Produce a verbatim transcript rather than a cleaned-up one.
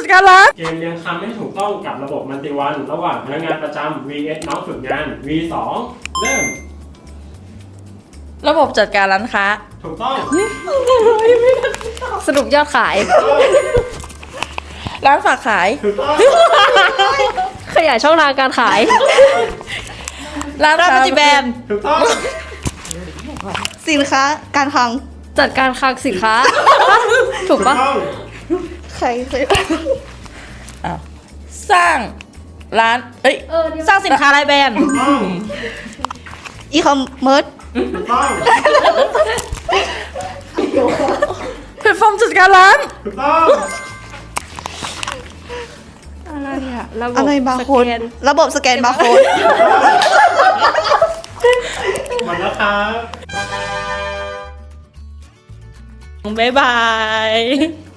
การร้านเกมเรียงคำให้ถูกต้องกับระบบมัลติวันระหว่างพนักงานประจำ วี เอส น้องฝึกงาน วี สอง เริ่มระบบจัดการร้านค้าถูกต้องสรุปยอดขายร้านฝากขายถูกต้องขยายช่องทางการขายร้านค้ามัลติแบรนด์ถูกต้องสินค้าการคลังจัดการคลังสินค้า ถูกถูกปะต้องใครเคยอ้าวสร้างร้านเอ้ยเออนี่สร้างสินค้ารายแบรนด์ถูกต้องอีคอมเมิร์ซถูกต้องแพลตฟอร์มจัดการร้านถูกต้องอะไรอะระบบอะไรบาร์สโค้ดแกนระบบสแกนบาร์โค้ดหมดแล้วครับบ๊ายบาย